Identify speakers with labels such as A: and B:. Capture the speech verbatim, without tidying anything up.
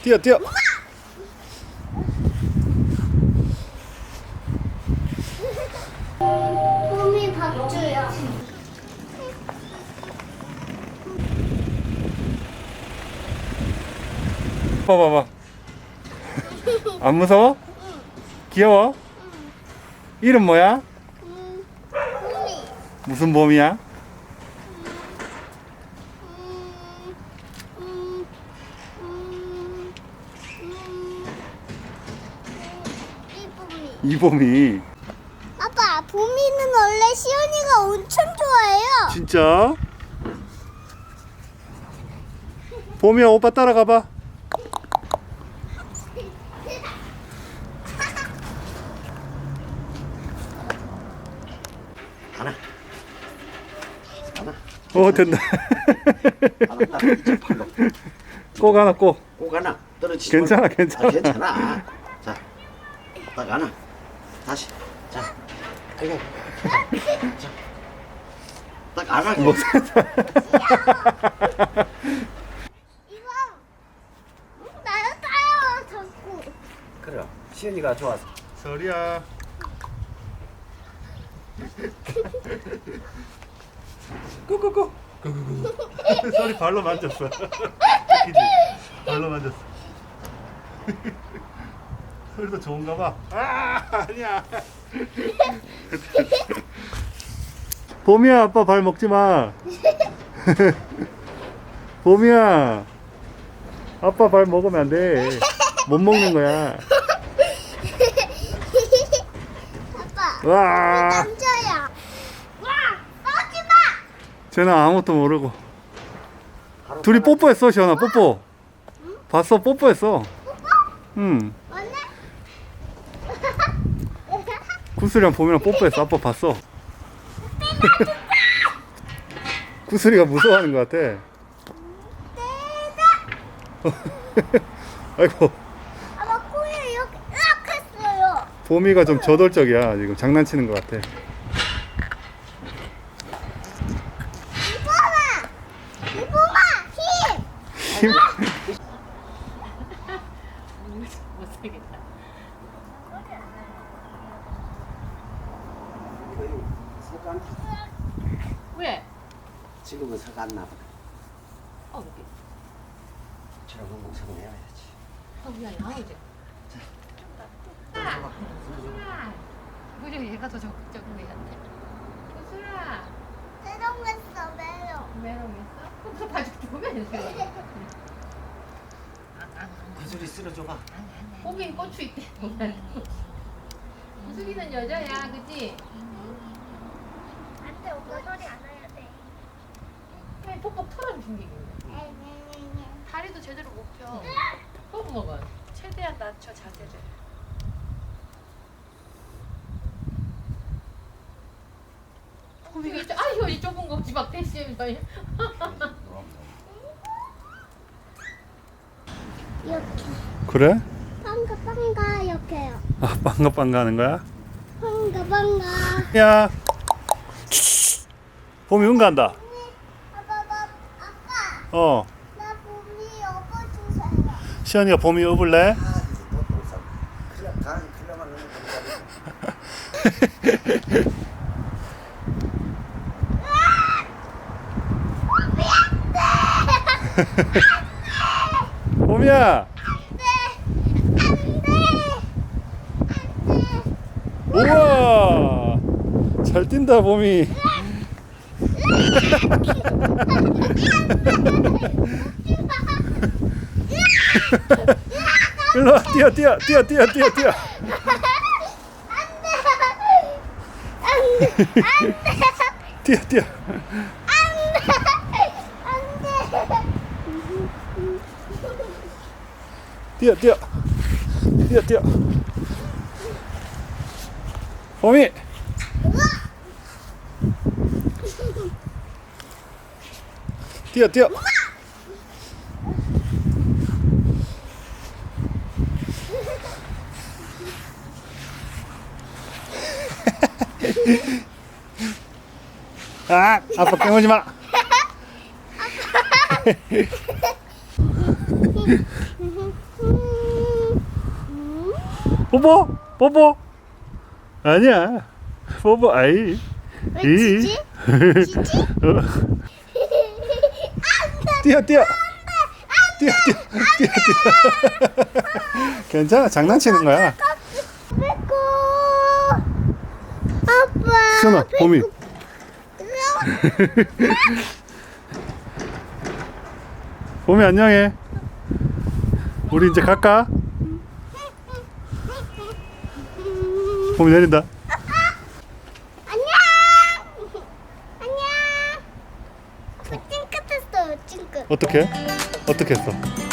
A: 뛰어 뛰어.
B: 봄이 박주야.
A: 봐봐봐. 안 무서워? 귀여워? 이름 뭐야?
B: 음, 봄이.
A: 무슨 봄이야?
B: 음, 음, 음, 음, 이 봄이.
A: 이 봄이.
B: 아빠, 봄이는 원래 시연이가 엄청 좋아해요.
A: 진짜? 봄이야, 오빠 따라가봐.
C: 하나 하나
A: 오, 된다.
C: 하나 딱 이쪽 팔로
A: 꼭 하나 꼭.
C: 꼭 하나 떨어지지
A: 괜찮아,
C: 말고.
A: 괜찮아.
C: 아, 괜찮아. 자, 딱 하나 다시 자 아이고 자, 자. 딱 하나
A: 뭐,
B: 이거 나를 따요, 자꾸.
C: 그래 시연이가 좋아서
A: 설이야. 꾸꾸꾸. 꾸꾸꾸. 설이 발로 만졌어. 웃기지? 발로 만졌어. 설도 좋은가 봐. 아, 아니야. 봄이야, 아빠 발 먹지 마. 봄이야, 아빠 발 먹으면 안 돼. 못 먹는 거야.
B: 아빠,
A: 와,
B: 남자야. 와, 싸우지 마.
A: 쟤는 아무것도 모르고. 둘이 뽀뽀했어, 시원아. 뽀뽀. 봤어, 뽀뽀했어. 응.
B: 맞네?
A: 구슬이랑 봄이랑 뽀뽀했어. 아빠 봤어. 구슬이가 무서워하는 것 같아. 아이고,
B: 아빠 코에 이렇게 으악 했어요.
A: 봄이가 좀 저돌적이야. 지금 장난치는 것 같아.
B: 이뻐봐. 이뻐봐. 힘.
A: 힘.
D: 못쓰겠다.
C: 서간
D: 왜?
C: 지금은 서가 안 나봐
D: 어, 이렇게.
C: 저런 거 목소리 내야지
D: 어, 미안해. 아, 이제. 아, 구슬아. 무려 얘가 더 적극적인 애 같아. 구슬아.
B: 세롱했어, 매력.
D: 메롱했어? 그럼 저 바지 보면 돼.
C: 구슬이 쓸어줘봐
D: 거긴 고추 있대. 구슬이는 여자야, 그치?
B: 안 돼, 오빠 소리 안 해야 돼.
D: 그냥 폭폭 털어준 게 있네.
E: 다리도 제대로 못 펴.
D: 꼭 먹어.
E: 최대한 낮춰 자세를.
D: 이거 아 이거 이 좁은 거지 막 대시면서
B: 이렇게.
A: 그래?
B: 빵가, 빵가, 이렇게요.
A: 아, 빵가 빵가 하는 거야?
B: 빵가, 빵가.
A: 야, 봄이 응가한다.
B: 아빠, 아빠, 아빠.
A: 어,
B: 나 봄이 업어주세요.
A: 시연이가 봄이 업을래?
C: 아 또또 싸 그래 가 그래만 넣는
A: 봄이야. 우와, 잘 뛴다 봄이. 일로 와, 뛰어 뛰어 뛰어 뛰어 뛰어 뛰어. 뛰어 뛰어. 뛰어 뛰어 뛰어 뛰어. 봄이. 뛰어 뛰어. 아, 아빠 깨우지 마. 뽀뽀 뽀뽀 아니야 뽀뽀 아이
B: 왜
A: 이.
B: 지지? 지지?
A: 어. 뛰어 뛰어 뛰어 뛰어 뛰어 뛰어 괜찮아 장난치는 거야.
B: 빼고 아빠
A: 시원아 봄이 봄이 안녕해. 우리 이제 갈까? 봄이 내린다.
B: 안녕 안녕 찡긋했어요 찡긋
A: 어떻게? 어떻게 했어?